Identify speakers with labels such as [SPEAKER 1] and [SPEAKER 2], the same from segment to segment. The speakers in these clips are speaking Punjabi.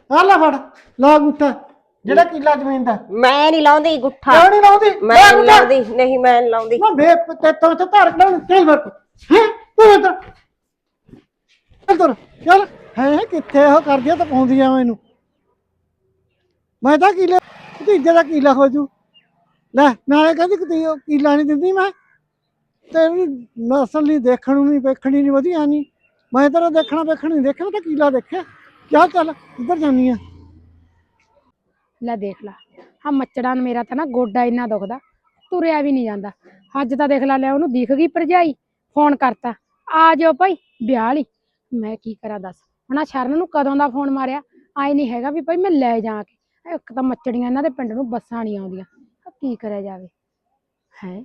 [SPEAKER 1] ਆ ਲੈ ਫੜ ਲਾ ਗੁੱਠਾ ਜਿਹੜਾ ਕਿੱਲਾ ਜ਼ਮੀਨ ਦਾ।
[SPEAKER 2] ਮੈਂ ਨਹੀਂ ਲਾਉਂਦੀ ਗੁੱਠਾ।
[SPEAKER 1] ਕਿਉਂ ਨਹੀਂ ਲਾਉਂਦੀ?
[SPEAKER 2] ਮੈਂ ਨਹੀਂ ਲਾਉਂਦੀ, ਨਹੀਂ ਮੈਂ ਨਹੀਂ ਲਾਉਂਦੀ।
[SPEAKER 1] ਮੈਂ ਬੇ ਤੇਤੋਂ ਤੇ ਧਰ ਕਢਾਉਣ ਚੱਲ ਵਰ ਹੈ ਤੂੰ ਇੱਧਰ ਚੱਲ ਚੱਲ ਹੈ ਕਿੱਥੇ ਉਹ ਕਰਦੀਆਂ ਤਾਂ ਪਾਉਂਦੀਆਂ ਮੈਨੂੰ। ਮੈਂ ਤਾਂ ਕਿੱਲੇ ਭਤੀਜੇ ਦਾ ਕਿੱਲਾ ਹੋ ਜੂ ਲੈ ਨਾਲੇ ਕਹਿੰਦੀ ਕਿ ਉਹ ਕਿੱਲਾ ਨਹੀਂ ਦਿੰਦੀ ਮੈਂ ਤੇ ਨਸਲ ਨਹੀਂ ਦੇਖਣ ਨੂੰ ਨਹੀਂ ਵੇਖਣੀ ਨਹੀਂ ਵਧੀਆ ਨਹੀਂ। ਮੈਂ ਤੇਰਾ ਦੇਖਣਾ ਵੇਖਣ ਨਹੀਂ ਦੇਖਿਆ ਤਾਂ ਕਿੱਲਾ ਦੇਖਿਆ ਕਿਆ ਚੱਲ ਇੱਧਰ ਜਾਨੀ ਆ।
[SPEAKER 3] ਲੈ ਦੇਖ ਲਾ ਆ ਮੱਚੜਾ ਮੇਰਾ ਤਾਂ ਨਾ ਗੋਡਾ ਇੰਨਾ ਦੁਖਦਾ ਤੁਰਿਆ ਵੀ ਨਹੀਂ ਜਾਂਦਾ। ਅੱਜ ਤਾਂ ਦੇਖ ਲਾ ਲੈ ਉਹਨੂੰ ਦਿਖ ਗਈ ਭਰਜਾਈ ਫੋਨ ਕਰਤਾ ਆ ਜਾਓ ਭਾਈ ਵਿਆਹ ਲਈ। ਮੈਂ ਕੀ ਕਰਾਂ ਦੱਸ ਹੁਣ ਆ ਸ਼ਰਨ ਨੂੰ ਕਦੋਂ ਦਾ ਫੋਨ ਮਾਰਿਆ ਆਏ ਨਹੀਂ ਹੈਗਾ ਵੀ ਭਾਈ ਮੈਂ ਲੈ ਜਾ ਕੇ। ਇੱਕ ਤਾਂ ਮੱਚੜੀਆਂ ਇਹਨਾਂ ਦੇ ਪਿੰਡ ਨੂੰ ਬੱਸਾਂ ਨਹੀਂ ਆਉਂਦੀਆਂ ਕੀ ਕਰਿਆ ਜਾਵੇ ਹੈ।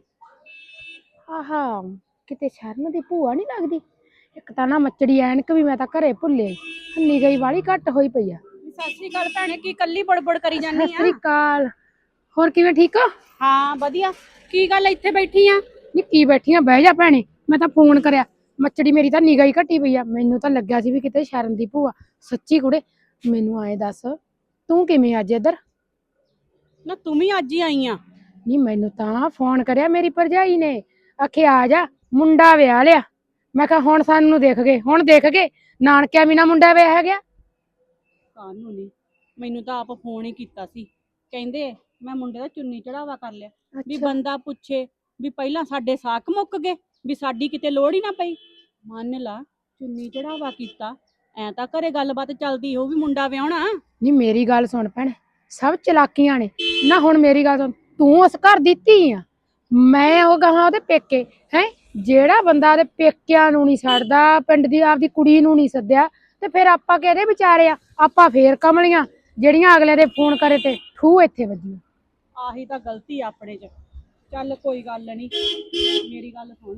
[SPEAKER 3] ਆਹਾ ਕਿਤੇ ਸ਼ਰਨ ਦੀ ਭੂਆ ਨਹੀਂ ਲੱਗਦੀ। ਇੱਕ ਤਾਂ ਨਾ ਮੱਚੜੀ ਐਨਕ ਵੀ ਮੈਂ ਤਾਂ ਘਰੇ ਭੁੱਲੇ ਹੰਨੀ ਗਈ ਵਾਲੀ ਘੱਟ ਹੋਈ ਪਈ ਆ।
[SPEAKER 4] ਸਤਿ ਸ਼੍ਰੀ ਅਕਾਲ ਭੈਣੇ ਕੀ ਕੱਲੀ ਬੜਬੜ ਕਰੀ ਜਾਂਦੀ ਆ?
[SPEAKER 3] ਸਤਿ ਸ੍ਰੀ ਅਕਾਲ ਹੋਰ ਕਿਵੇਂ ਠੀਕ ਹੋ?
[SPEAKER 4] ਹਾਂ ਵਧੀਆ। ਕੀ ਗੱਲ ਇੱਥੇ ਬੈਠੀ ਆ?
[SPEAKER 3] ਨੀ ਕੀ ਬੈਠੀਆਂ ਬਹਿ ਜਾ ਭੈਣੇ ਮੈਂ ਤਾਂ ਫੋਨ ਕਰਿਆ ਮੱਚੜੀ ਮੇਰੀ ਤਾਂ ਨਿਗਾਹ ਹੀ ਘਟੀ ਪਈ ਆ। ਮੈਨੂੰ ਤਾਂ ਲੱਗਿਆ ਸੀ ਵੀ ਕਿਤੇ ਸ਼ਰਨ ਦੀ ਭੂਆ ਸੱਚੀ ਕੁੜੇ ਮੈਨੂੰ ਆਏ ਦੱਸ ਤੂੰ ਕਿਵੇਂ ਅੱਜ ਇੱਧਰ?
[SPEAKER 4] ਨਾ ਤੂੰ ਵੀ ਅੱਜ ਹੀ ਆਈ ਆ?
[SPEAKER 3] ਨੀ ਮੈਨੂੰ ਤਾਂ ਫੋਨ ਕਰਿਆ ਮੇਰੀ ਭਰਜਾਈ ਨੇ ਆਖੇ ਆ ਜਾ ਮੁੰਡਾ ਵਿਆਹ ਲਿਆ। ਮੈਂ ਕਿਹਾ ਹੁਣ ਸਾਨੂੰ ਦੇਖ ਗਏ ਹੁਣ ਦੇਖ ਗਏ ਨਾਨਕਿਆਂ ਵੀ ਨਾ ਮੁੰਡਾ ਵਿਆਹ ਗਿਆ।
[SPEAKER 4] ਕਾਹਨੂੰ ਨਹੀਂ ਮੈਨੂੰ ਤਾਂ ਆਪ ਫੋਨ ਹੀ ਕੀਤਾ ਸੀ ਕਹਿੰਦੇ ਮੈਂ ਮੁੰਡੇ ਦਾ ਚੁੰਨੀ ਚੜਾਵਾ ਕਰ ਲਿਆ ਵੀ ਬੰਦਾ ਪੁੱਛੇ ਵੀ ਪਹਿਲਾਂ ਸਾਡੇ ਸਾਕ ਮੁੱਕ ਗਏ ਵੀ ਸਾਡੀ ਕਿਤੇ ਲੋੜ ਹੀ ਨਾ ਪਈ। ਮੰਨ ਲਾ ਚੁੰਨੀ ਚੜਾਵਾ ਕੀਤਾ ਐ ਤਾਂ ਘਰੇ ਗੱਲਬਾਤ ਚੱਲਦੀ ਹੋ ਵੀ ਮੁੰਡਾ ਵਿਆਹਣਾ।
[SPEAKER 3] ਨੀ ਮੇਰੀ ਗੱਲ ਸੁਣ ਭੈਣ ਸਭ ਚਲਾਕੀਆਂ ਨੇ ਨਾ। ਹੁਣ ਮੇਰੀ ਗੱਲ ਸੁਣ ਤੂੰ ਉਸ ਘਰ ਦੀ ਧੀ ਆ ਮੈਂ ਉਹ ਗਾਹਾਂ ਉਹਦੇ ਪੇਕੇ ਹੈ। ਜਿਹੜਾ ਬੰਦਾ ਉਹਦੇ ਪੇਕਿਆਂ ਨੂੰ ਨਹੀਂ ਛੱਡਦਾ ਪਿੰਡ ਦੀ ਆਪਦੀ ਕੁੜੀ ਨੂੰ ਨਹੀਂ ਸੱਦਿਆ ਤੇ ਫਿਰ ਆਪਾਂ ਕਿਹਦੇ ਵਿਚਾਰੇ ਆ। ਆਪਾਂ ਫੇਰ ਕਮਲੀਆਂ ਜਿਹੜੀਆਂ ਅਗਲੇ ਦੇ ਫੋਨ ਕਰੇ ਤੇ ਠੂ ਇੱਥੇ ਵੱਜੀਆਂ।
[SPEAKER 4] ਆਹੀ ਤਾਂ ਗਲਤੀ ਆਪਣੇ ਚ। ਚੱਲ ਕੋਈ ਗੱਲ ਨਹੀਂ ਮੇਰੀ ਗੱਲ ਸੁਣ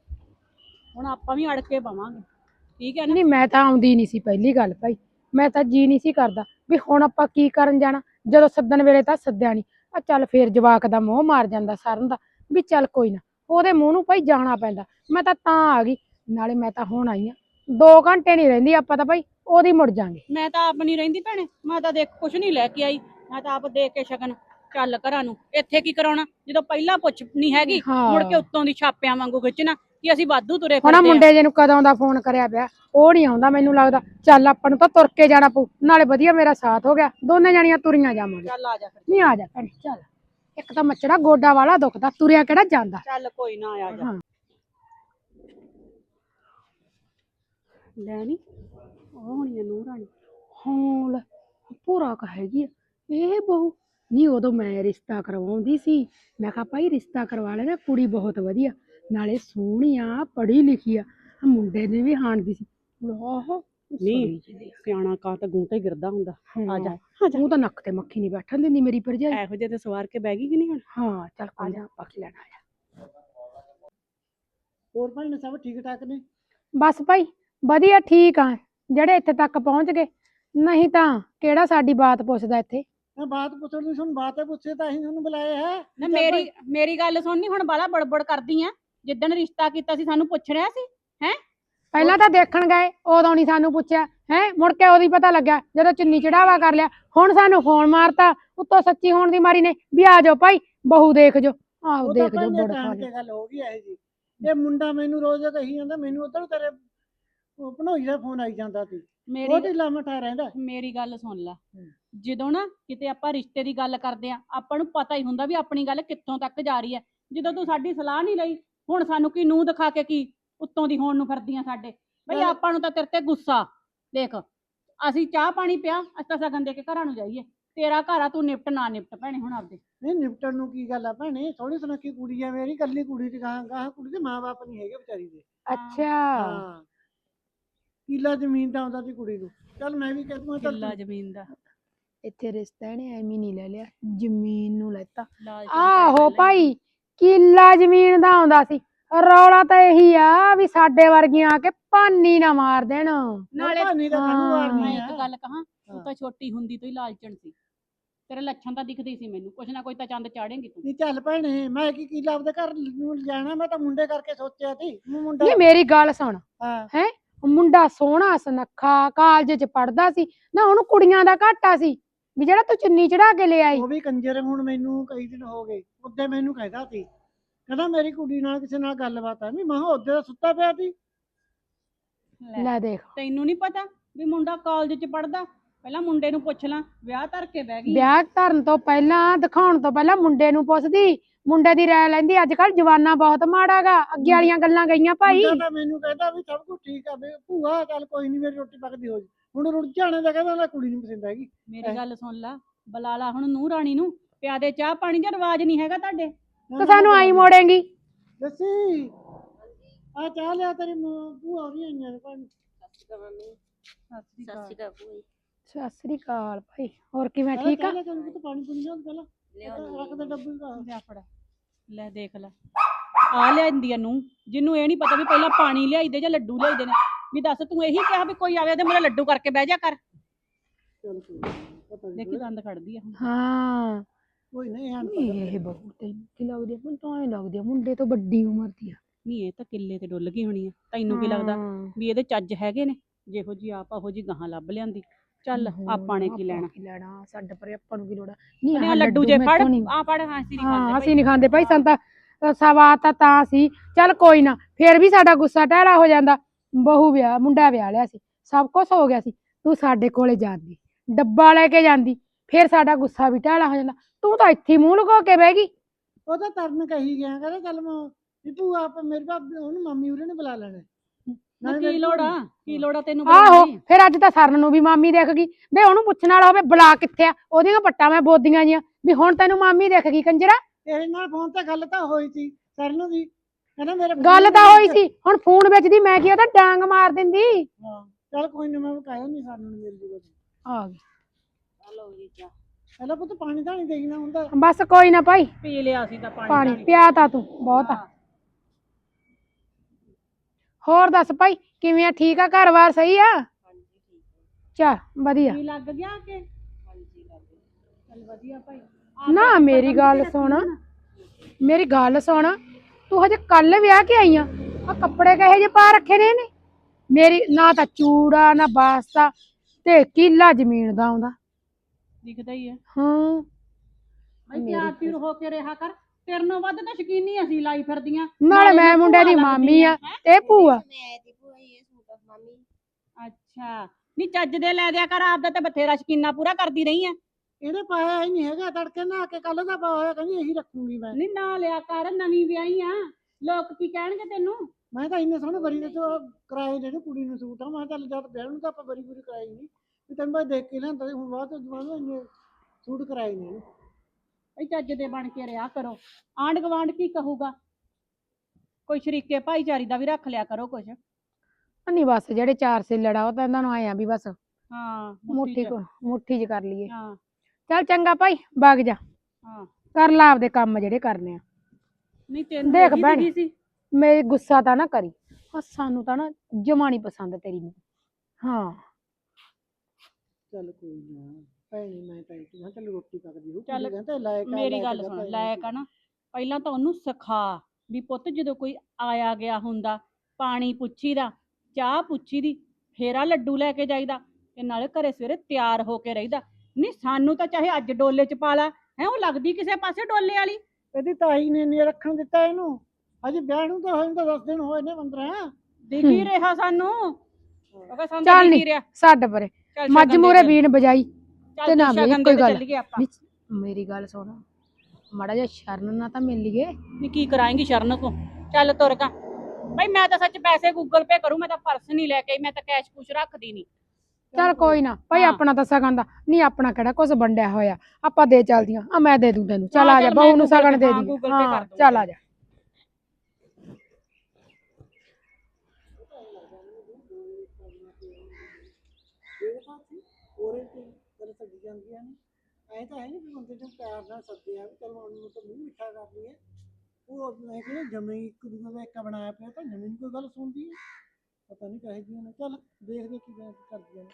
[SPEAKER 4] ਹੁਣ ਆਪਾਂ ਵੀ ਅੜ ਕੇ ਪਵਾਂਗੇ ਠੀਕ ਹੈ ਨਾ?
[SPEAKER 3] ਨਹੀਂ ਮੈਂ ਤਾਂ ਆਉਂਦੀ ਨਹੀਂ ਸੀ ਪਹਿਲੀ ਗੱਲ ਭਾਈ ਮੈਂ ਤਾਂ ਜੀ ਨਹੀਂ ਸੀ ਕਰਦਾ ਵੀ ਹੁਣ ਆਪਾਂ ਕੀ ਕਰਨ ਜਾਣਾ ਜਦੋਂ ਸੱਦਣ ਵੇਲੇ ਤਾਂ ਸੱਦਿਆ ਨਹੀਂ। ਆ ਚੱਲ ਫੇਰ ਜਵਾਕ ਦਾ ਮੋਹ ਮਾਰ ਜਾਂਦਾ ਸਰਨ ਦਾ ਵੀ ਚੱਲ ਕੋਈ ਨਾ ਉਹਦੇ ਮੂੰਹ ਨੂੰ ਭਾਈ ਜਾਣਾ ਪੈਂਦਾ। ਮੈਂ ਤਾਂ ਆ ਗਈ ਨਾਲੇ ਮੈਂ ਤਾਂ ਹੁਣ ਆਈ ਆ 2 ਘੰਟੇ ਨਹੀਂ ਰਹਿੰਦੀ ਆਪਾਂ ਤਾਂ ਭਾਈ ਉਹਦੀ ਮੁੜ ਜਾਾਂਗੇ।
[SPEAKER 4] ਮੈਂ ਤਾਂ ਆਪ ਨਹੀਂ ਰਹਿੰਦੀ ਭੈਣੇ ਮੈਂ ਤਾਂ ਦੇਖ ਕੁਛ ਨਹੀਂ ਲੈ ਕੇ ਆਈ। ਮੈਂ ਤਾਂ ਆਪ ਦੇਖ ਕੇ ਸ਼ਗਨ ਚੱਲ ਘਰਾਂ ਨੂੰ ਇੱਥੇ ਕੀ ਕਰਾਉਣਾ ਜਦੋਂ ਪਹਿਲਾਂ ਪੁੱਛ ਨਹੀਂ ਹੈਗੀ ਮੁੜ ਕੇ ਉੱਤੋਂ ਦੀ ਛਾਪਿਆਂ ਵਾਂਗੂ ਖਿੱਚਣਾ ਕਿ ਅਸੀਂ ਵਾਧੂ ਤੁਰੇ ਫਿਰਦੇ
[SPEAKER 3] ਹੁਣ ਮੁੰਡੇ ਜੇ ਨੂੰ ਕਦੋਂ ਦਾ ਫੋਨ ਕਰਿਆ ਪਿਆ ਉਹ ਨਹੀਂ ਆਉਂਦਾ ਮੈਨੂੰ ਲੱਗਦਾ। ਚੱਲ ਆਪਾਂ ਨੂੰ ਤਾਂ ਤੁਰ ਕੇ ਜਾਣਾ ਪਊ ਨਾਲੇ ਵਧੀਆ ਮੇਰਾ ਸਾਥ ਹੋ ਗਿਆ ਦੋਨੇ ਜਾਣੀਆਂ ਤੁਰੀਆਂ ਜਾਵਾਂਗੇ।
[SPEAKER 4] ਚੱਲ ਆ ਜਾ ਫਿਰ।
[SPEAKER 3] ਨਹੀਂ ਆ ਜਾ ਭੈਣੇ ਚੱਲ ਇੱਕ ਤਾਂ ਮੱਚੜਾ ਗੋਡਾ ਵਾਲਾ ਦੁਖਦਾ ਤੁਰਿਆ ਕਿਹੜਾ ਜਾਂਦਾ।
[SPEAKER 4] ਚੱਲ ਕੋਈ ਨਾ ਆ ਜਾ। ਲੈ ਨੀ ਉਹ ਹੋਣੀ ਆ ਨੂੰਹ ਰਾਣੀ।
[SPEAKER 3] ਹਾਂ ਲੈ ਪੂਰਾ ਕਹੇਗੀ ਇਹ ਬਹੂ ਨਹੀਂ। ਉਦੋਂ ਮੈਂ ਰਿਸ਼ਤਾ ਕਰਵਾਉਂਦੀ ਸੀ ਮੈਂ ਕਿਹਾ ਭਾਈ ਰਿਸ਼ਤਾ ਕਰਵਾ ਲੈਣਾ ਕੁੜੀ ਬਹੁਤ ਵਧੀਆ ਨਾਲੇ ਸੋਹਣੀ ਆ ਪੜ੍ਹੀ ਲਿਖੀ ਆ। ਮੁੰਡੇ ਨੇ ਵੀ ਹਾਣਦੀ ਸੀ ਆਹੋ
[SPEAKER 4] ਨਹੀਂ ਸਿਆਣਾ ਕਾ ਤਾਂ ਗੂੰਟੇ ਗਿਰਦਾ ਹੁੰਦਾ। ਆ ਜਾ
[SPEAKER 3] ਉਹ ਤਾਂ ਨੱਕ ਤੇ ਮੱਖੀ ਨਹੀਂ ਬੈਠਣ ਦਿੰਦੀ ਮੇਰੀ ਭਰਜਾਈ।
[SPEAKER 4] ਇਹੋ ਜਿਹੇ ਤੇ ਸਵਾਰ ਕੇ ਬਹਿ ਗਈ ਕਿ ਨਹੀਂ ਹੁਣ?
[SPEAKER 3] ਹਾਂ ਚੱਲ ਆ ਜਾ ਆਪਾਂ ਕੀ ਲੈਣਾ ਆ।
[SPEAKER 1] ਹੋਰ ਭਾਈ ਨੇ ਸਭ ਠੀਕ ਠਾਕ ਨੇ?
[SPEAKER 3] ਬਸ ਭਾਈ ਵਧੀਆ ਠੀਕ ਆ ਜਿਹੜੇ ਇੱਥੇ ਤੱਕ ਪਹੁੰਚ ਗਏ ਨਹੀਂ ਤਾਂ ਕਿਹੜਾ ਸਾਡੀ ਬਾਤ ਪੁੱਛਦਾ ਇੱਥੇ।
[SPEAKER 1] ਮੈਂ ਬਾਤ ਪੁੱਛਣ ਦੀ ਸੁਣ ਬਾਤ ਪੁੱਛੇ ਤਾਂ ਅਸੀਂ ਤੁਹਾਨੂੰ ਬੁਲਾਏ ਹੈ।
[SPEAKER 4] ਨਾ ਮੇਰੀ ਗੱਲ ਸੁਣਨੀ ਹੁਣ ਬਾਲਾ ਬੜਬੜ ਕਰਦੀ ਆ। ਜਿੱਦਣ ਰਿਸ਼ਤਾ ਕੀਤਾ ਸੀ ਸਾਨੂੰ ਪੁੱਛ ਰਿਹਾ ਸੀ ਹੈ?
[SPEAKER 3] ਪਹਿਲਾਂ ਤਾਂ ਦੇਖਣ ਗਏ ਉਦੋਂ ਨਹੀਂ ਸਾਨੂੰ ਪੁੱਛਿਆ ਹੈ ਮੁੜ ਕੇ ਉਹਦੀ ਪਤਾ ਲੱਗਿਆ ਜਦੋਂ ਚੁੰਨੀ ਚੜਾਵਾ ਕਰ ਲਿਆ। ਹੁਣ ਸਾਨੂੰ ਫੋਨ ਮਾਰਤਾ ਉੱਤੋਂ ਸੱਚੀ ਹੋਣ ਦੀ ਮਾਰੀ ਨੇ ਵੀ ਆ ਜਾਓ ਭਾਈ ਬਹੂ ਦੇਖ ਜੋ। ਆਹੋ ਦੇਖ ਜੋ ਬੜ ਖਾ
[SPEAKER 1] ਕੇ ਗੱਲ ਹੋ ਗਈ ਇਹ ਜੀ। ਇਹ ਮੁੰਡਾ ਮੈਨੂੰ ਰੋਜ਼ ਕਹੀ ਜਾਂਦਾ ਮੈਨੂੰ ਉਧਰ ਤੇਰੇ ਭਣੋਈ ਦਾ ਫੋਨ ਆਈ ਜਾਂਦਾ ਸੀ ਉਹ ਢਿੱਲਾ ਮੱਠਾ ਰਹਿੰਦਾ।
[SPEAKER 4] ਮੇਰੀ ਗੱਲ ਸੁਣ ਲੈ ਜਦੋਂ ਨਾ ਕਿਤੇ ਆਪਾਂ ਰਿਸ਼ਤੇ ਦੀ ਗੱਲ ਕਰਦੇ ਆ ਆਪਾਂ ਨੂੰ ਪਤਾ ਹੀ ਹੁੰਦਾ ਵੀ ਆਪਣੀ ਗੱਲ ਕਿੱਥੋਂ ਤੱਕ ਜਾ ਰਹੀ ਹੈ। ਜਦੋਂ ਤੂੰ ਸਾਡੀ ਸਲਾਹ ਨਹੀਂ ਲਈ ਹੁਣ ਸਾਨੂੰ ਕੀ ਨੂੰਹ ਦਿਖਾ ਕੇ ਕੀ ਉੱਤੋਂ ਦੀ ਹੋਣ ਨੂੰ ਫਿਰਦੀਆਂ ਸਾਡੇ। ਬਈ ਆਪਾਂ ਨੂੰ ਤਾਂ ਤੇਰੇ ਤੇ ਗੁੱਸਾ ਦੇਖ ਅਸੀਂ ਚਾਹ ਪਾਣੀ ਪਿਆ ਅਸੀਂ ਤਾਂ ਸਗਨ ਦੇ ਕੇ ਘਰਾਂ ਨੂੰ ਜਾਈਏ। ਤੇਰਾ ਘਰ ਆ ਤੂੰ ਨਿਪਟ ਨਾ ਨਿਪਟ ਭੈਣੇ ਹੁਣ ਆਪਦੇ।
[SPEAKER 1] ਨਹੀਂ ਨਿਪਟਣ ਨੂੰ ਕੀ ਗੱਲ ਆ ਭੈਣੇ ਥੋੜੀ ਸੁਨੱਖੀ ਕੁੜੀ ਆ ਮੇਰੀ ਕੱਲੀ ਕੁੜੀ ਦੀ ਗਾਹਾਂ ਕੁੜੀ ਦੇ ਮਾਂ-ਬਾਪ ਨਹੀਂ ਹੈਗੇ ਵਿਚਾਰੀ ਦੇ।
[SPEAKER 3] ਅੱਛਾ
[SPEAKER 1] ਹਾਂ ਕਿੱਲਾ ਜ਼ਮੀਨ ਦਾ ਆਉਂਦਾ ਸੀ ਕੁੜੀ ਨੂੰ। ਚੱਲ ਮੈਂ ਵੀ ਕਹਿੰਦਾ
[SPEAKER 4] ਕਿੱਲਾ ਜ਼ਮੀਨ ਦਾ
[SPEAKER 3] ਇੱਥੇ ਰਿਸ਼ਤਾ ਇਹਨੇ ਐਵੇਂ ਨਹੀਂ ਲੈ ਲਿਆ ਜ਼ਮੀਨ ਨੂੰ ਲੈਤਾ।
[SPEAKER 4] ਲਾਲਚ
[SPEAKER 3] ਆਹੋ ਭਾਈ ਕਿੱਲਾ ਜ਼ਮੀਨ ਦਾ ਆਉਂਦਾ ਸੀ ਰੌਲਾ ਤਾਂ ਇਹੀ ਆ ਵੀ ਸਾਡੇ ਵਰਗੀਆਂ ਆ ਕੇ ਭਾਨੀ ਨਾ ਮਾਰ ਦੇਣ।
[SPEAKER 4] ਨਾਲੇ
[SPEAKER 1] ਭਾਨੀ ਤਾਂ ਸਾਨੂੰ ਮਾਰਨੀ
[SPEAKER 4] ਮੈਂ
[SPEAKER 1] ਆ।
[SPEAKER 4] ਇੱਕ ਗੱਲ ਕਹਾਂ ਤੂੰ ਤਾਂ ਛੋਟੀ ਹੁੰਦੀ ਤੋਂ ਹੀ ਲਾਲਚਣ ਸੀ। ਤੇਰੇ ਲੱਛਣ ਤਾਂ ਦਿਖਦੇ ਸੀ ਮੈਨੂੰ ਕੁਛ ਨਾ ਕੋਈ ਤਾਂ ਚੰਦ ਚਾੜੇਂਗੀ ਤੂੰ।
[SPEAKER 1] ਨਹੀਂ ਚੱਲ ਭੈਣੇ ਮੈਂ ਕੀ ਕਿੱਲਾ ਆਪਦੇ ਘਰ ਨੂੰ ਜਾਣਾ ਮੈਂ ਤਾਂ ਮੁੰਡੇ ਕਰਕੇ ਸੋਚਿਆ ਸੀ ਮੁੰਡਾ।
[SPEAKER 3] ਨਹੀਂ ਮੇਰੀ ਗੱਲ ਸੁਣ
[SPEAKER 1] ਹਾਂ
[SPEAKER 3] ਹੈ ਮੁੰਡਾ ਸੋਹਣਾ ਸੁਨੱਖਾ ਕਾਲਜ ਚ ਪੜਦਾ ਸੀ ਨਾ, ਉਹਨੂੰ ਕੁੜੀਆਂ ਦਾ ਘਾਟਾ ਸੀ ਵੀ ਜਿਹੜਾ ਤੂੰ ਚੁੰਨੀ ਚੜਾ ਕੇ ਲੈ ਆਈ।
[SPEAKER 1] ਉਹ ਵੀ ਕੰਜਰ ਹੁਣ ਮੈਨੂੰ ਕਈ ਦਿਨ ਹੋ ਗਏ, ਉੱਦੇ ਮੈਨੂੰ ਕਹਿੰਦਾ ਸੀ, ਕਹਿੰਦਾ ਮੇਰੀ ਕੁੜੀ ਨਾਲ ਕਿਸੇ ਨਾਲ ਗੱਲਬਾਤ ਆ। ਵੀ ਮੈਂ ਕਿਹਾ ਉਹਦੇ ਦਾ ਸੁੱਤਾ ਪਿਆ ਸੀ।
[SPEAKER 3] ਲੈ ਦੇਖ,
[SPEAKER 4] ਤੈਨੂੰ ਨਹੀਂ ਪਤਾ ਵੀ ਮੁੰਡਾ ਕਾਲਜ ਚ ਪੜਦਾ? ਪਹਿਲਾਂ ਮੁੰਡੇ ਨੂੰ ਪੁੱਛ ਲਾਂ, ਵਿਆਹ ਧਰ ਕੇ ਬਹਿ ਗਈ।
[SPEAKER 3] ਵਿਆਹ ਧਰਨ ਤੋਂ ਪਹਿਲਾਂ ਦਿਖਾਉਣ ਤੋਂ ਪਹਿਲਾਂ ਮੁੰਡੇ ਨੂੰ ਪੁੱਛਦੀ, ਮੁੰਡੇ ਦੀ ਰਾਏ ਲੈਂਦੀ। ਅੱਜ ਕੱਲ ਜਵਾਨਾ ਬਹੁਤ ਮਾੜਾਗਾ, ਅੱਗੇ ਵਾਲੀਆਂ ਗੱਲਾਂ ਗਈਆਂ ਭਾਈ।
[SPEAKER 1] ਮੁੰਡਾ ਤਾਂ ਮੈਨੂੰ ਕਹਿੰਦਾ ਵੀ ਸਭ ਕੁਝ ਠੀਕ ਆ, ਵੀ ਭੂਆ ਚੱਲ ਕੋਈ ਨਹੀਂ, ਮੇਰੀ ਰੋਟੀ ਪੱਕਦੀ ਹੋ ਜੀ। ਹੁਣ ਰੁੱਝ ਜਾਣੇ ਦਾ ਕਹਿੰਦਾ ਲੈ ਕੁੜੀ ਨਹੀਂ ਪਸੰਦ ਹੈਗੀ।
[SPEAKER 4] ਮੇਰੀ ਗੱਲ ਸੁਣ ਲਾ, ਬੁਲਾ ਲਾ ਹੁਣ ਨੂੰਹ ਰਾਣੀ ਨੂੰ। ਪਿਆਦੇ ਚਾਹ ਪਾਣੀ ਦਾ ਰਿਵਾਜ ਨਹੀਂ ਹੈਗਾ ਤੁਹਾਡੇ।
[SPEAKER 3] ਤੇ ਸਾਨੂੰ ਆਈ ਮੋੜੇਂਗੀ।
[SPEAKER 1] ਦੱਸੀ ਆ ਚਾਹ ਲਿਆ, ਤੇਰੀ ਭੂਆ ਵੀ ਆਈਆਂ ਨੇ ਭਾਈ।
[SPEAKER 3] ਸਤਿ ਸ੍ਰੀ ਅਕਾਲ ਭਾਈ, ਹੋਰ ਕਿਵੇਂ ਠੀਕ ਆ?
[SPEAKER 1] ਤੂੰ ਪਾਣੀ ਪੂਣੀ ਲਿਆ ਪਹਿਲਾਂ, ਰੱਖ ਦੇ ਡੱਬੇ ਦਾ।
[SPEAKER 4] ਲਿਆ ਫੜ, ਲੈ ਦੇਖ ਲੈ ਆ ਲਿਆਂਦੀ ਆ ਨੂੰ, ਜਿਹਨੂੰ ਇਹ ਨਹੀਂ ਪਤਾ ਵੀ ਪਹਿਲਾਂ ਪਾਣੀ ਲਿਆਈਦੇ ਜਾਂ ਲੱਡੂ ਲਿਆਈਦੇ ਨੇ। ਵੀ ਦੱਸ, ਤੂੰ ਇਹੀ ਕਿਹਾ ਵੀ ਕੋਈ ਆਵੇ ਤੇ ਮੇਰਾ ਲੱਡੂ ਕਰਕੇ ਬਹਿ ਜਾ ਕਰ।
[SPEAKER 1] ਚੱਲ ਕੋਈ ਨੀ, ਪਤਾ ਨੀ
[SPEAKER 4] ਦੇਖੀ ਦੰਦ ਖੜਦੀ ਆ ਹੁਣ।
[SPEAKER 3] ਹਾਂ
[SPEAKER 1] ਕੋਈ ਨਹੀਂ ਐਨ
[SPEAKER 3] ਇਹ ਬਹੂ ਤੈਨੂੰ ਕੀ ਲੱਗਦੀ ਆ? ਮੈਨੂੰ ਤਾਂ ਐਂ ਲੱਗਦੀ ਆ ਮੁੰਡੇ ਤੋਂ ਵੱਡੀ ਉਮਰ ਦੀ ਆ।
[SPEAKER 4] ਨਹੀਂ ਇਹ ਤਾਂ ਕਿੱਲੇ ਤੇ ਡੁੱਲ ਗਈ ਹੋਣੀ ਆ। ਤੈਨੂੰ ਕੀ ਲੱਗਦਾ ਵੀ ਇਹਦੇ ਚੱਜ ਹੈਗੇ ਨੇ? ਜਿਹੋ ਜੀ ਆਪ ਉਹੋ ਜੀ ਗਾਹਾਂ ਲੱਭ ਲਿਆਂਦੀ। ਚੱਲ ਆਪਾਂ ਨੇ ਕੀ ਲੈਣਾ,
[SPEAKER 3] ਸਾਡੇ ਪਰ ਆਪਾਂ ਨੂੰ ਕੀ ਲੋੜ ਆ?
[SPEAKER 4] ਨਹੀਂ ਆ ਲੱਡੂ ਜੇ ਫੜ, ਆ ਫੜ। ਹਾਂ ਅਸੀਂ ਨਹੀਂ ਖਾਂਦੇ,
[SPEAKER 3] ਅਸੀਂ ਨਹੀਂ ਖਾਂਦੇ ਭਾਈ, ਸੰਤਾ ਸਵਾ ਤਾਂ ਸੀ। ਚੱਲ ਕੋਈ ਨਾ, ਫੇਰ ਵੀ ਸਾਡਾ ਗੁੱਸਾ ਟਹਿਰਾ ਹੋ ਜਾਂਦਾ। ਬਹੂ ਵਿਆਹ, ਮੁੰਡਾ ਵਿਆਹ ਲਿਆ ਸੀ, ਸਭ ਕੁਝ ਹੋ ਗਿਆ ਸੀ, ਤੂੰ ਸਾਡੇ ਕੋਲੇ ਜਾਂਦੀ, ਡੱਬਾ ਲੈ ਕੇ ਜਾਂਦੀ, ਫੇਰ ਸਾਡਾ ਗੁੱਸਾ ਵੀ ਟਹਿਰਾ ਹੋ ਜਾਂਦਾ। ਤੂੰ ਤਾਂ ਇੱਥੇ ਮੂੰਹ ਲੁਕੋ ਕੇ ਬਹਿ ਗਈ।
[SPEAKER 1] ਉਹ ਤਾਂ ਤਰਨ ਕਹੀ ਗਿਆ, ਕਹਿੰਦਾ ਚੱਲ ਮੈਂ ਵੀ ਭੂਆ ਆਪ ਮੇਰੇ ਭਾਬੀ ਉਹਨੂੰ ਮੰਮੀ ਉਰੇ ਨੇ ਬੁਲਾ ਲੈਣਾ।
[SPEAKER 4] ਕੀ ਲੋੜ ਆ ਤੈਨੂੰ?
[SPEAKER 3] ਆਹੋ ਫਿਰ ਅੱਜ ਤਾਂ ਸਰਨ ਨੂੰ ਵੀ ਮਾਮੀ ਦਿਖ ਗਈ। ਵੇ ਉਹਨੂੰ ਪੁੱਛਣ ਵਾਲਾ ਹੋਵੇ ਬੁਲਾ ਕਿੱਥੇ ਆ, ਉਹਦੀਆਂ ਪੱਟਾਂ ਮੈਂ ਬੋਦੀਆਂ ਜੀਆਂ ਵੀ ਹੁਣ ਤੈਨੂੰ ਮਾਮੀ ਦਿਖ ਗਈ ਕੰਜਰਾ।
[SPEAKER 1] ਤੇਰੇ ਨਾਲ ਫੋਨ ਤੇ ਗੱਲ ਤਾਂ ਹੋਈ ਸੀ ਸਰਨ ਦੀ, ਕਹਿੰਦਾ ਮੇਰੇ
[SPEAKER 3] ਗੱਲ ਤਾਂ ਹੋਈ ਸੀ, ਹੁਣ ਫੋਨ ਵਿੱਚ ਦੀ ਮੈਂ ਕੀ ਉਹਦਾ ਡਾਂਗ ਮਾਰ ਦਿੰਦੀ।
[SPEAKER 1] ਹਾਂ ਚੱਲ ਕੋਈ ਨਾ, ਮੈਂ ਕਹਿਆ ਨਹੀਂ ਸਰਨ ਨੂੰ ਮੇਰੀ ਜਗ੍ਹਾ
[SPEAKER 3] ਆ ਗਈ।
[SPEAKER 4] ਚਲੋ ਜੀ ਜਾ,
[SPEAKER 1] ਪਹਿਲਾਂ ਪੁੱਤ ਪਾਣੀ ਤਾਂ ਨਹੀਂ ਦੇਣਾ ਹੁੰਦਾ।
[SPEAKER 3] ਬਸ ਕੋਈ ਨਾ ਭਾਈ,
[SPEAKER 4] ਪੀ ਲਿਆ ਸੀ ਤਾਂ
[SPEAKER 3] ਪਾਣੀ ਪਿਆ ਤਾਂ ਤੂੰ ਬਹੁਤ ਆ। ਹੋਰ ਦੱਸ ਭਾਈ ਕਿਵੇਂ ਆ? ਠੀਕ ਆ? ਘਰ-ਬਾਰ ਸਹੀ ਆ? ਚੱਲ ਵਧੀਆ।
[SPEAKER 4] ਕੀ ਲੱਗ ਗਿਆ ਕਿ? ਚੱਲ ਵਧੀਆ ਭਾਈ।
[SPEAKER 3] ਨਾ ਮੇਰੀ ਗੱਲ ਸੁਣ, ਮੇਰੀ ਗੱਲ ਸੁਣ, ਤੂੰ ਹਜੇ ਕੱਲ ਵਿਆਹ ਕੇ ਆਈ ਆ ਕੱਪੜੇ ਕਹੇ ਜੇ ਪਾ ਰੱਖੇ ਨੇ ਇਹਨੇ। ਮੇਰੀ ਨਾ ਤਾਂ ਚੂੜਾ ਨਾ ਬਾਸਤਾ ਤੇ ਕਿੱਲਾ ਜ਼ਮੀਨ ਦਾ ਆਉਂਦਾ
[SPEAKER 4] ਦਿਖਦਾ ਹੀ ਹੈ।
[SPEAKER 3] ਹਾਂ
[SPEAKER 4] ਭਾਈ ਪਿਆਰ ਪੀਰ ਹੋ ਕੇ ਰਿਹਾ ਕਰ, ਤੇਰੇ ਨਾਲੋਂ ਵੱਧ ਤਾਂ ਸ਼ਕੀਨੀ ਅਸੀਂ ਲਾਈ ਫਿਰਦੀਆਂ।
[SPEAKER 3] ਨਾਲੇ ਮੈਂ ਮੁੰਡੇ ਦੀ ਮਾਮੀ ਆ ਤੇ ਭੂਆ।
[SPEAKER 4] ਅੱਛਾ ਨਹੀਂ ਚੱਜ ਦੇ ਲੈ ਦਿਆ ਕਰ, ਆਪਦਾ ਤੇ ਬਥੇਰਾ ਸ਼ਕੀਨਾ ਪੂਰਾ ਕਰਦੀ ਰਹੀ ਆ।
[SPEAKER 1] ਇਹਨੇ ਪਾਇਆ ਹੀ ਨਹੀਂ ਹੈਗਾ, ਤੜਕੇ ਨਹਾ ਕੇ ਕੱਲ ਦਾ ਪਾਇਆ ਹੋਇਆ, ਕਹਿੰਦੀ ਇਹੀ ਰੱਖੂਗੀ ਮੈਂ।
[SPEAKER 4] ਨਹੀਂ ਨਾ ਲਿਆ ਕਰ, ਨਵੀਂ ਵਿਆਹੀ ਆ, ਲੋਕ ਕੀ ਕਹਿਣਗੇ ਤੈਨੂੰ?
[SPEAKER 1] ਮੈਂ ਤਾਂ ਇੰਨੇ ਸੋਹਣੇ ਬਰੀ ਦੇ ਤੋਂ ਕਰਾਏ ਨੇ ਕੁੜੀ ਨੂੰ ਸੂਟ ਆ। ਮੈਂ ਕਿਹਾ ਚੱਲ ਜਦ ਵਿਆਹ ਨੂੰ ਤਾਂ ਆਪਾਂ ਬਰੀ ਬੁਰੀ ਕਰਾਈ ਨਹੀਂ, ਵੀ ਤੈਨੂੰ ਮੈਂ ਦੇਖ ਕੇ ਲਿਆਂਦਾ ਸੀ। ਹੁਣ ਬਾਅਦ ਤੋਂ ਜਵਾਨ ਇੰਨੇ ਸੂਟ ਕਰਾਏ ਨੇ।
[SPEAKER 4] ਭਾਈ ਚੱਜ ਦੇ ਬਣ ਕੇ ਰਿਹਾ ਕਰੋ, ਆਂਢ ਗਵਾਂਢ ਕੀ ਕਹੂਗਾ? ਕੋਈ ਸ਼ਰੀਕੇ ਭਾਈਚਾਰੀ ਦਾ ਵੀ ਰੱਖ ਲਿਆ ਕਰੋ ਕੁਛ।
[SPEAKER 3] ਨਹੀਂ ਬਸ ਜਿਹੜੇ ਚਾਰ ਸਿੱਲੜਾ ਉਹ ਤਾਂ ਇਹਨਾਂ ਨੂੰ ਆਇਆ ਵੀ ਬਸ
[SPEAKER 4] ਹਾਂ
[SPEAKER 3] ਮੁੱਠੀ ਚ ਕਰ ਲਈਏ।
[SPEAKER 4] ਹਾਂ
[SPEAKER 3] ਚੱਲ ਚੰਗਾ ਭਾਈ, ਵਗ ਜਾ,
[SPEAKER 4] ਹਾਂ
[SPEAKER 3] ਕਰ ਲਾ ਆਪਦੇ ਕੰਮ ਜਿਹੜੇ ਕਰਨੇ ਆ।
[SPEAKER 4] ਨਹੀਂ ਤੈਨੂੰ
[SPEAKER 3] ਦੇਖ
[SPEAKER 4] ਹੈਗੀ
[SPEAKER 3] ਭੈਣ,
[SPEAKER 4] ਸੀਗੀ ਸੀ।
[SPEAKER 3] ਮੇਰੇ ਗੁੱਸਾ ਤਾਂ ਨਾ ਕਰੀ, ਸਾਨੂੰ ਤਾਂ ਨਾ ਜਮਾ ਨੀ ਪਸੰਦ ਤੇਰੀ ਨੂੰ। ਹਾਂ
[SPEAKER 1] ਚੱਲ ਕੋਈ ਨਾ ਭੈਣੀ, ਮੈਂ ਤਾਂ ਮੈਂ ਚੱਲ ਰੋਟੀ ਪੱਕਦੀ ਹੋ।
[SPEAKER 4] ਚੱਲ
[SPEAKER 1] ਕਹਿੰਦਾ ਲਾਇਕ
[SPEAKER 4] ਮੇਰੀ ਗੱਲ ਸੁਣ, ਲਾਇਕ ਆ ਨਾ, ਪਹਿਲਾਂ ਤਾਂ ਉਹਨੂੰ ਸਿਖਾ ਵੀ ਪੁੱਤ ਜਦੋਂ ਕੋਈ ਆਇਆ ਗਿਆ ਹੁੰਦਾ ਪਾਣੀ ਪੁੱਛੀਦਾ, ਚਾਹ ਪੁੱਛੀਦੀ, ਫੇਰਾ ਲੱਡੂ ਲੈ ਕੇ ਜਾਈਦਾ, ਤੇ ਨਾਲੇ ਘਰੇ ਸਵੇਰੇ ਤਿਆਰ ਹੋ ਕੇ ਰਹੀਦਾ। ਨਹੀਂ ਸਾਨੂੰ ਤਾਂ ਚਾਹੇ ਅੱਜ ਡੋਲੇ ਚ ਪਾ ਲਾ, ਹੈ ਉਹ ਲੱਗਦੀ ਕਿਸੇ ਪਾਸੇ ਡੋਲੇ ਵਾਲੀ।
[SPEAKER 1] ਇਹਦੀ ਤਾਈ ਨੇ ਨਹੀਂ ਰੱਖਣ ਦਿੱਤਾ ਇਹਨੂੰ, ਅਜੇ ਵਿਆਹ ਨੂੰ ਤਾਂ ਹੋਏ ਤਾਂ 10 ਦਿਨ ਹੋਏ ਨੇ 15।
[SPEAKER 4] ਦਿਖ ਹੀ ਰਿਹਾ ਸਾਨੂੰ, ਕਿਉਂਕਿ ਸਾਨੂੰ ਤਾਂ
[SPEAKER 3] ਚੱਲ
[SPEAKER 4] ਦਿਖ ਹੀ
[SPEAKER 3] ਨੀ
[SPEAKER 4] ਰਿਹਾ।
[SPEAKER 3] ਛੱਡ ਪਰੇ,
[SPEAKER 4] ਚੱਲ
[SPEAKER 3] ਮੱਝ
[SPEAKER 4] ਸ਼ਗਨ
[SPEAKER 3] ਮੂਹਰੇ
[SPEAKER 4] ਦੇ
[SPEAKER 3] ਬੀਣ ਬਜਾਈ
[SPEAKER 4] ਚੱਲ
[SPEAKER 3] ਤੇ ਨਾ
[SPEAKER 4] ਤੂੰ
[SPEAKER 3] ਮੇਰੀ
[SPEAKER 4] ਸ਼ਗਨ
[SPEAKER 3] ਕੋਈ
[SPEAKER 4] ਦੇ
[SPEAKER 3] ਗੱਲ।
[SPEAKER 4] ਚੱਲੀਏ ਆਪਾਂ।
[SPEAKER 3] ਨੀ, ਮੇਰੀ ਗੱਲ ਸੁਣ, ਮਾੜਾ ਜਿਹਾ ਸ਼ਰਨ ਨਾਲ ਤਾਂ ਮਿਲ ਲਈਏ।
[SPEAKER 4] ਨਹੀਂ ਕੀ ਕਰਾਏਂਗੀ ਸ਼ਰਨ ਤੋਂ? ਚੱਲ ਤੁਰ ਗਾ ਬਈ, ਮੈਂ ਤਾਂ ਸੱਚ ਪੈਸੇ ਗੂਗਲ ਪੇ ਕਰੂੰ, ਮੈਂ ਤਾਂ ਪਰਸ ਨਹੀਂ ਲੈ ਕੇ ਆਈ, ਮੈਂ ਤਾਂ ਕੈਸ਼ ਕੁਛ ਰੱਖਦੀ ਨਹੀਂ।
[SPEAKER 3] ਚੱਲ ਕੋਈ ਨਾ ਭਾਈ,
[SPEAKER 4] ਹਾਂ।
[SPEAKER 3] ਆਪਣਾ ਤਾਂ ਸਗਨ ਦਾ ਨਹੀਂ, ਆਪਣਾ ਕਿਹੜਾ ਕੁਛ ਵੰਡਿਆ ਹੋਇਆ, ਆਪਾਂ ਦੇ ਚੱਲਦੀਆਂ ਆ, ਮੈਂ ਦੇ ਦੂੰ ਤੈਨੂੰ। ਚੱਲ
[SPEAKER 4] ਹਾਂ,
[SPEAKER 3] ਆ ਜਾ,
[SPEAKER 4] ਚੱਲ
[SPEAKER 3] ਬਹੂ
[SPEAKER 4] ਮੈਂ
[SPEAKER 3] ਨੂੰ
[SPEAKER 4] Google
[SPEAKER 3] ਸਗਨ ਦੇ
[SPEAKER 4] Pay, ਹਾਂ,
[SPEAKER 3] ਦੀ।
[SPEAKER 4] Google Pay ਕਰ ਦੂੰਗੀ।
[SPEAKER 3] ਚੱਲ ਆ ਜਾ।
[SPEAKER 1] ਉਹਰੇ ਤੇ ਤੇਰੇ ਸੱਜ ਜਾਂਦੀਆਂ ਨੇ, ਐ ਤਾਂ ਹੈ ਨਹੀਂ ਵੀ ਬੰਦੇ ਨੂੰ ਪਿਆਰ ਨਾਲ ਸੱਦਿਆ ਵੀ ਚਲੋ ਉਹਨੂੰ ਤਾਂ ਮੂੰਹ ਮਿੱਠਾ ਕਰ ਲਈਏ। ਉਹ ਮੈਂ ਕਹਿੰਦਾ ਜਮੇ ਇੱਕ ਦੂਜੇ ਦਾ ਇੱਕ ਬਣਾਇਆ ਪਿਆ, ਤਾਂ ਜਮੇ ਨਹੀਂ ਕੋਈ ਗੱਲ ਸੁਣਦੀ ਹੈ। ਪਤਾ ਨਹੀਂ ਕਹੇ ਜੀਆਂ ਨੇ। ਚੱਲ ਦੇਖਦੇ ਕੀ ਕਰਦੀਆਂ ਨੇ।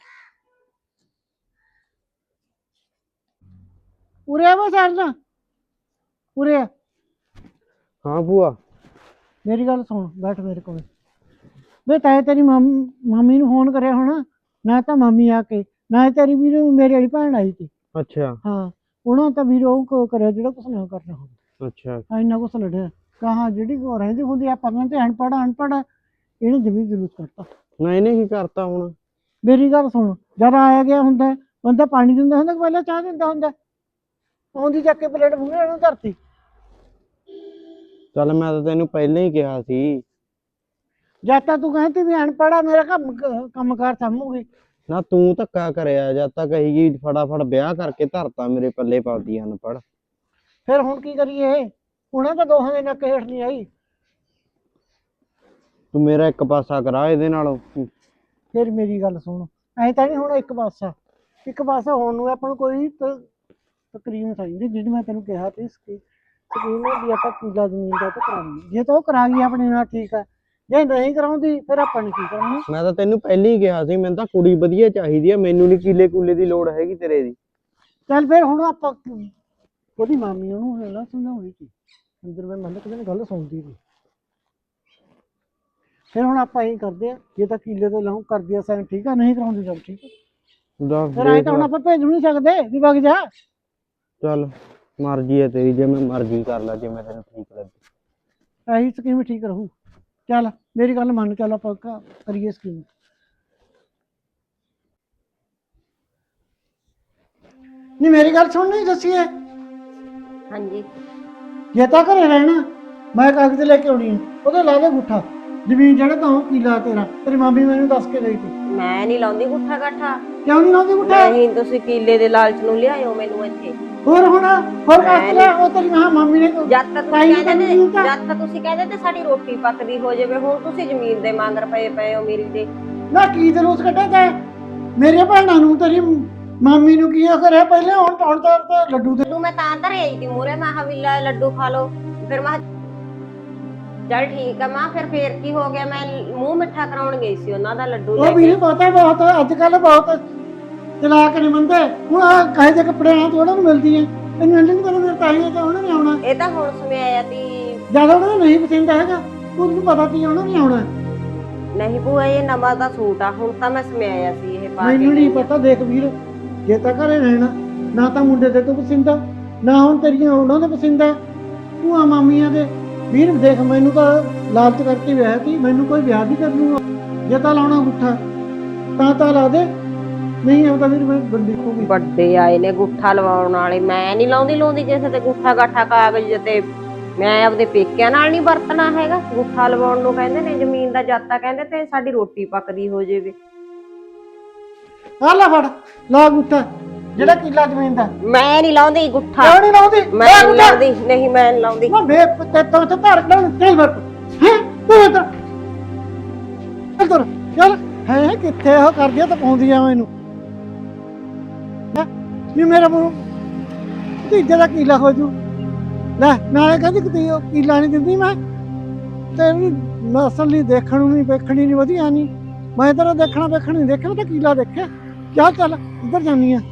[SPEAKER 1] ਉਰੇ ਆ ਵਾ ਸਰਨਾ, ਉਰੇ ਆ।
[SPEAKER 5] ਹਾਂ ਭੂਆ।
[SPEAKER 1] ਮੇਰੀ ਗੱਲ ਸੁਣ, ਬੈਠ ਮੇਰੇ ਕੋਲ। ਵੇ ਤੈਂ ਤੇਰੀ ਮਾਮੀ ਨੂੰ ਫੋਨ ਕਰਿਆ ਹੋਣਾ, ਨਾ ਤਾਂ ਮਾਮੀ ਆ ਕੇ, ਨਾ ਤੇਰੀ ਵੀਰ ਮੇਰੇ ਵਾਲੀ ਭੈਣ ਆਈ ਸੀ।
[SPEAKER 5] ਅੱਛਾ
[SPEAKER 1] ਹਾਂ ਉਹਨਾਂ ਤਾਂ ਵੀਰ ਉਹ ਕਰਿਆ ਜਿਹੜਾ ਕੁਛ ਨਾ ਕਰਨਾ ਹੁੰਦਾ।
[SPEAKER 5] ਅੱਛਾ
[SPEAKER 1] ਇੰਨਾ ਕੁਛ ਲੜਿਆ ਕਹਾ ਜਿਹੜੀ ਰਹਿੰਦੀ ਹੁੰਦੀ ਆਪਾਂ ਕਹਿੰਦੇ ਅਨਪੜ੍ਹ ਇਹਨੇ ਜ਼ਮੀਨ ਜ਼ਰੂਰ ਕਰਤਾ।
[SPEAKER 5] ਨਾ ਇਹਨੇ ਕੀ ਕਰਤਾ ਹੁਣ?
[SPEAKER 1] ਮੇਰੀ ਗੱਲ ਸੁਣ, ਜਦ ਆਇਆ ਗਿਆ ਹੁੰਦਾ ਬੰਦਾ ਪਾਣੀ ਦਿੰਦਾ ਹੁੰਦਾ ਕਿ ਪਹਿਲਾਂ ਚਾਹ ਦਿੰਦਾ ਹੁੰਦਾ? ਆਉਂਦੀ ਚੱਕ ਕੇ ਪਲੇਟ ਮੂਹਰੇ ਨੂੰ ਧਰਤੀ।
[SPEAKER 5] ਚੱਲ ਮੈਂ ਤਾਂ ਤੈਨੂੰ ਪਹਿਲਾਂ ਹੀ ਕਿਹਾ ਸੀ।
[SPEAKER 1] ਜਦ ਤਾਂ ਤੂੰ ਕਹਿੰਦੀ ਵੀ ਅਨਪੜ੍ਹ ਆ, ਮੇਰਾ ਕੰਮਕਾਰ ਸਾਂਭੂਗੀ।
[SPEAKER 5] ਨਾ ਤੂੰ ਧੱਕਾ ਕਰਿਆ, ਜਦ ਤੱਕ ਕਹੀਗੀ ਫਟਾਫਟ ਵਿਆਹ ਕਰਕੇ ਧਰਤਾ ਮੇਰੇ ਪੱਲੇ ਪਾਉਂਦੀ ਅਨਪੜ੍ਹ।
[SPEAKER 1] ਫਿਰ ਹੁਣ ਕੀ ਕਰੀਏ? ਉਹਨਾਂ ਤਾਂ ਦੋਹਾਂ ਦੇ ਨੱਕ ਹੇਠ ਨਹੀਂ ਆਈ।
[SPEAKER 5] ਤੂੰ ਮੇਰਾ ਇੱਕ ਪਾਸਾ ਕਰਾ ਇਹਦੇ ਨਾਲੋਂ।
[SPEAKER 1] ਫਿਰ ਮੇਰੀ ਗੱਲ ਸੁਣ, ਐਂ ਤਾਂ ਨਹੀਂ ਹੁਣ ਇੱਕ ਪਾਸਾ ਹੋਣ ਨੂੰ ਆਪਾਂ ਨੂੰ ਕੋਈ ਤਕਰੀਬਨ ਚਾਹੀਦੀ। ਜਿਹੜੀ ਮੈਂ ਤੈਨੂੰ ਕਿਹਾ ਸੀ ਸਕੀਮ ਵੀ ਆਪਾਂ ਕਿੱਲਾ ਜ਼ਮੀਨ ਦਾ ਤਾਂ ਕਰਾਉਣੀ। ਜੇ ਤਾਂ ਉਹ ਕਰਾ ਗਈ ਆਪਣੇ ਨਾਲ ਠੀਕ ਆ, ਜੇ ਨਹੀਂ ਕਰਾਉਂਦੀ ਫਿਰ ਆਪਾਂ ਨੇ ਕੀ ਕਰਨਾ?
[SPEAKER 5] ਮੈਂ ਤਾਂ ਤੈਨੂੰ ਪਹਿਲਾਂ ਹੀ ਕਿਹਾ ਸੀ, ਮੈਨੂੰ ਤਾਂ ਕੁੜੀ ਵਧੀਆ ਚਾਹੀਦੀ ਆ, ਮੈਨੂੰ ਨਹੀਂ ਕੀਲੇ ਕੂਲੇ ਦੀ ਲੋੜ ਹੈਗੀ ਤੇਰੇ ਦੀ।
[SPEAKER 1] ਚੱਲ ਫਿਰ ਹੁਣ ਆਪਾਂ ਉਹਦੀ ਮਾਮੀ ਉਹਨੂੰ ਨਾ ਸਮਝਾਉਣੀ ਸੀ ਅੰਦਰ। ਮੈਂ ਮੰਨ ਕੇ ਗੱਲ ਸੁਣਦੀ ਸੀ। ਫਿਰ ਹੁਣ ਆਪਾਂ ਇਹੀ ਕਰਦੇ ਆ, ਜੇ ਤਾਂ ਕੀਲੇ ਤੇ ਲਾਉਂ ਕਰਦੀ ਆ ਸਾਈਨ ਠੀਕ ਆ, ਨਹੀਂ ਕਰਾਉਂਦੀ ਚੱਲ ਠੀਕ ਆ। ਫਿਰ ਐਂ ਤਾਂ ਹੁਣ ਆਪਾਂ ਭੇਜ ਨਹੀਂ ਸਕਦੇ ਵੀ ਵਗ ਜਾ।
[SPEAKER 5] ਚੱਲ ਮਰਜ਼ੀ ਹੈ ਤੇਰੀ, ਜਿਵੇਂ ਮਰਜ਼ੀ ਕਰ ਲੈ, ਜਿਵੇਂ ਤੈਨੂੰ ਠੀਕ ਲੱਗੇ।
[SPEAKER 1] ਇਹੀ ਸਕੀਮ ਠੀਕ ਰਹੂ। ਚੱਲ ਮੇਰੀ ਗੱਲ ਮੰਨ, ਚੱਲ ਆਪਾਂ ਕਰੀਏ ਸਕੀਮ। ਨਹੀਂ ਮੇਰੀ ਗੱਲ ਸੁਣ, ਨਹੀਂ ਦੱਸੀਏ
[SPEAKER 2] ਹਾਂਜੀ
[SPEAKER 1] ਜੇ ਤਾਂ ਘਰੇ ਰਹਿਣਾ ਮੈਂ ਕਾਗਜ਼ ਲੈ ਕੇ ਆਉਣੀ ਆ, ਉਹਦੇ ਲਾ ਦੇ ਗੁੱਠਾ ਜ਼ਮੀਨ ਜਿਹੜਾ ਤਾਂ ਉਹ ਕੀਲਾ ਤੇਰਾ। ਤੇਰੀ ਮਾਮੀ ਮੈਨੂੰ ਦੱਸ ਕੇ ਗਈ ਸੀ।
[SPEAKER 2] ਮੈਂ ਨਹੀਂ ਲਾਉਂਦੀ ਗੁੱਠਾ ਗੱਠਾ।
[SPEAKER 1] ਕਿਉਂ ਨਹੀਂ ਲਾਉਂਦੀ ਗੁੱਠਾ?
[SPEAKER 2] ਨਹੀਂ ਤੁਸੀਂ ਕੀਲੇ ਦੇ ਲਾਲਚ ਨੂੰ ਲਿਆਇਓ ਮੈਨੂੰ ਇੱਥੇ।
[SPEAKER 1] ਹੋਰ ਕਾਸਲਾ ਉਹ ਤੇਰੀ ਮਾਮੀ ਨੇ
[SPEAKER 2] ਜਦ ਤੱਕ ਤੁਸੀਂ ਕਹਿੰਦੇ ਤੇ ਸਾਡੀ ਰੋਟੀ ਪੱਕਦੀ ਹੋ ਜਾਵੇ, ਹੁਣ ਤੁਸੀਂ ਜ਼ਮੀਨ ਦੇ ਮੰਗਰ ਪਏ ਹੋ ਮੇਰੀ ਦੇ।
[SPEAKER 1] ਨਾ ਕੀ ਜਲੂਸ ਕੱਢਿਆ ਤੈਂ ਮੇਰੇ ਭੈਣਾਂ ਨੂੰ, ਤੇਰੀ ਮਾਮੀ ਨੂੰ ਕੀ ਕਰਿਆ ਪਹਿਲੇ? ਹੁਣ ਤਾਂ ਲੱਡੂ ਦੇ
[SPEAKER 2] ਮੈਂ ਤਾਂ ਧਰੇ ਆਈ ਸੀ ਮੂਹਰੇ, ਮੈਂ ਕਿਹਾ ਵੀ ਲੈ ਲੱਡੂ ਖਾ ਲਓ। ਫਿਰ ਮੈਂ ਚੱਲ ਠੀਕ ਆ ਮਾਂ, ਫਿਰ ਕੀ ਹੋ ਗਿਆ? ਮੈਂ ਮੂੰਹ ਮਿੱਠਾ ਕਰਾਉਣ ਗਈ ਸੀ ਉਹਨਾਂ ਦਾ ਲੱਡੂ ਲੈ
[SPEAKER 1] ਉਹ ਵੀ ਪਤਾ ਬਹੁਤ ਅੱਜ ਕੱਲ ਬਹੁਤ ਚਲਾਕ ਨਹੀਂ ਬੰਦੇ। ਹੁਣ ਕਹੇ ਦੇ ਕੱਪੜੇ ਨਾਲ ਥੋੜਾ ਨੂੰ ਮਿਲਦੀ ਹੈ, ਤੈਨੂੰ ਨਹੀਂ ਪਤਾ ਮੇਰੇ ਤਾਈ ਤਾਂ ਉਹਨਾਂ ਨੇ ਆਉਣਾ।
[SPEAKER 2] ਇਹ ਤਾਂ ਹੁਣ ਸਮਿਆਇਆ ਤੀ
[SPEAKER 1] ਜਿਆਦਾ ਉਹਨਾਂ ਨੂੰ ਨਹੀਂ ਪਸੰਦ ਹੈਗਾ, ਉਹਨੂੰ ਪਤਾ ਸੀ ਉਹਨਾਂ ਨੇ ਆਉਣਾ।
[SPEAKER 2] ਨਹੀਂ ਭੂਆ ਇਹ ਨਵਾਂ ਦਾ ਸੂਟ ਆ, ਹੁਣ ਤਾਂ ਮੈਂ ਸਮਿਆਇਆ ਸੀ ਇਹ ਪਾ ਕੇ।
[SPEAKER 1] ਮੈਨੂੰ ਨਹੀਂ ਪਤਾ। ਦੇਖ ਵੀਰ, ਜੇ ਤਾਂ ਘਰੇ ਰਹਿਣਾ ਨਾ ਤਾਂ ਮੁੰਡੇ ਦੇ ਤੋਂ ਪਸੰਦ ਆ, ਨਾ ਹੁਣ ਤੇਰੀਆਂ ਉਹਨਾਂ ਦੇ ਪਸੰਦ ਆ, ਭੂਆ ਮਾਮੀਆਂ ਦੇ। ਵੀਰ ਦੇਖ ਮੈਨੂੰ ਤਾਂ ਲਾਲਚ ਕਰਕੇ ਵਿਆਹ ਸੀ, ਮੈਨੂੰ ਕੋਈ ਵਿਆਹ ਨਹੀਂ ਕਰ ਲੂਗਾ। ਜੇ ਤਾਂ ਲਾਉਣਾ ਗੁੱਠਾ ਤਾਂ ਲਾ ਦੇ, ਨਹੀਂ ਆਉਂਦਾ ਵੀਰ ਮੈਂ ਬੰਦੀ ਖੂਗੀ।
[SPEAKER 2] ਵੱਡੇ ਆਏ ਨੇ ਗੁੱਠਾ ਲਵਾਉਣ ਵਾਲੇ, ਮੈਂ ਨਹੀਂ ਲਾਉਂਦੀ ਕਿਸੇ ਤੇ ਗੁੱਠਾ ਗਾਠਾ ਕਾਗਜ਼ ਤੇ। ਮੈਂ ਆਪਦੇ ਪੇਕਿਆਂ ਨਾਲ ਨਹੀਂ ਵਰਤਣਾ ਹੈਗਾ। ਗੁੱਠਾ ਲਵਾਉਣ ਨੂੰ ਕਹਿੰਦੇ ਨੇ ਜ਼ਮੀਨ ਦਾ ਜਾਤਾ, ਕਹਿੰਦੇ ਤੇ ਸਾਡੀ ਰੋਟੀ ਪੱਕਦੀ ਹੋ ਜਾਵੇ।
[SPEAKER 1] ਆ ਲੈ ਫੜ ਲਾ ਗੁੱਠਾ ਜਿਹੜਾ ਕਿੱਲਾ ਜ਼ਮੀਨ ਦਾ।
[SPEAKER 2] ਮੈਂ ਨਹੀਂ ਲਾਉਂਦੀ ਗੁੱਠਾ।
[SPEAKER 1] ਕਿਉਂ ਨਹੀਂ ਲਾਉਂਦੀ?
[SPEAKER 2] ਮੈਂ ਨਹੀਂ ਲਾਉਂਦੀ, ਨਹੀਂ ਮੈਂ ਨਹੀਂ ਲਾਉਂਦੀ।
[SPEAKER 1] ਨਾ ਬੇ ਤੇ ਤੋਂ ਤੇ ਧਾਰ ਕੇ ਚੱਲ ਵਰ ਹੈ ਤੂੰ ਤਾਂ ਚੱਲ ਚੱਲ ਹੈ ਕਿੱਥੇ ਉਹ ਕਰਦੀ ਤਾਂ ਪਾਉਂਦੀ ਆ ਮੈਨੂੰ। ਨਹੀਂ ਮੇਰਾ ਮੂੰਹ ਤੀਜੇ ਦਾ ਕੀਲਾ ਹੋ ਜੂ। ਲੈ ਨਾਲੇ ਕਹਿੰਦੀ ਕਿ ਉਹ ਕੀਲਾ ਨਹੀਂ ਦਿੰਦੀ। ਮੈਂ ਤੇਰੀ ਨਸਲ ਨਹੀਂ ਦੇਖਣ ਨੂੰ, ਨਹੀਂ ਵੇਖਣੀ ਨਹੀਂ ਵਧੀਆ ਨਹੀਂ। ਮੈਂ ਤੇਰਾ ਦੇਖਣਾ ਨਹੀਂ ਦੇਖਣਾ ਤਾਂ ਕੀਲਾ ਦੇਖਿਆ। ਚੱਲ ਇੱਧਰ ਜਾਨੀ ਆ।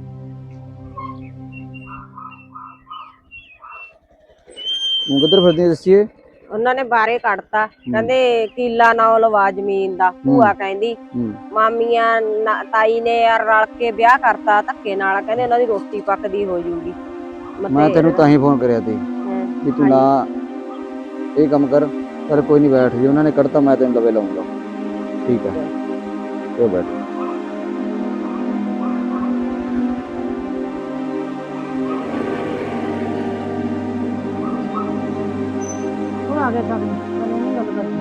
[SPEAKER 6] ਹੁਣ ਕਿੱਧਰ ਫਿਰਦੀ ਦੱਸੀਏ?
[SPEAKER 2] ਉਹਨਾਂ ਨੇ ਬਾਰੇ ਕੱਢਤਾ, ਕਹਿੰਦੇ ਕੀਲਾ ਨਾ ਲਵਾ ਜ਼ਮੀਨ ਦਾ। ਭੂਆ ਕਹਿੰਦੀ ਮਾਮੀਆਂ ਤਾਈ ਨੇ ਯਾਰ ਰਲ ਕੇ ਵਿਆਹ ਕਰਤਾ ਧੱਕੇ ਨਾਲ, ਕਹਿੰਦੇ ਉਹਨਾਂ ਦੀ ਰੋਟੀ ਪੱਕਦੀ ਹੋ ਜੂਗੀ।
[SPEAKER 6] ਮੈਂ ਤੈਨੂੰ ਤਾਂ ਹੀ ਫੋਨ ਕਰਿਆ ਸੀ ਵੀ ਤੂੰ ਨਾ ਇਹ ਕੰਮ ਕਰ। ਪਰ ਕੋਈ ਨਹੀਂ, ਬੈਠ ਜੀ, ਉਹਨਾਂ ਨੇ ਕੱਢਤਾ, ਮੈਂ ਤੈਨੂੰ ਲਵੇ ਲਾਉਂਗਾ। ਠੀਕ ਹੈ ਤੇ ਬੈਠ।
[SPEAKER 1] ਆ ਗਿਆ ਤਾਂ ਗੱਲ ਕਰਦੀ।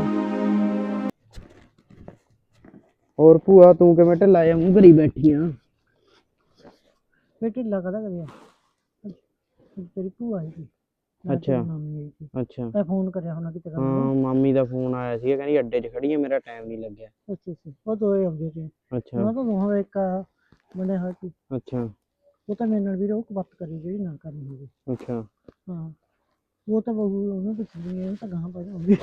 [SPEAKER 5] ਹੋਰ ਭੂਆ ਤੂੰ ਕਿਵੇਂ ਢਿੱਲਾ ਜਿਹਾ ਮੂੰਹ ਕਰੀ ਬੈਠੀ ਆ?
[SPEAKER 1] ਫੇਰ ਢਿੱਲਾ ਕਦਾ ਕਰਿਆ? ਤੇਰੀ ਭੂਆ ਆਈ ਸੀ।
[SPEAKER 5] ਅੱਛਾ
[SPEAKER 1] ਮਾਮੀ ਆਈ ਸੀ।
[SPEAKER 5] ਅੱਛਾ
[SPEAKER 1] ਮੈਂ ਫੋਨ ਕਰਿਆ ਹੋਣਾ ਕਿਤੇ।
[SPEAKER 5] ਹਾਂ ਮਾਮੀ ਦਾ ਫੋਨ ਆਇਆ ਸੀ, ਕਹਿੰਦੀ ਅੱਡੇ 'ਚ ਖੜੀ ਆ, ਮੇਰਾ ਟਾਈਮ ਨਹੀਂ ਲੱਗਿਆ।
[SPEAKER 1] ਅੱਛਾ ਉਹ ਦੋਏ ਆਉਂਦੇ ਸੀ।
[SPEAKER 5] ਅੱਛਾ
[SPEAKER 1] ਉਹਨਾਂ ਤੋਂ ਦੋਹਾਂ ਦਾ ਇੱਕ ਬਣਿਆ ਹੋਇਆ ਸੀ।
[SPEAKER 5] ਅੱਛਾ
[SPEAKER 1] ਉਹ ਤਾਂ ਮੇਰੇ ਨਾਲ ਵੀ ਉਹ ਬਾਤ ਕਰੀ ਜਿਹੜੀ ਨਾ ਕਰਨੀ ਹੋਵੇ।
[SPEAKER 5] ਅੱਛਾ
[SPEAKER 1] ਹਾਂ ਉਹ ਤਾਂ ਬਹੂ ਉਹਨੂੰ ਪੁੱਛਦੀ ਹੈ, ਤਾਂ ਗਾਹਾਂ ਪਾ ਜਾਂਦੀ।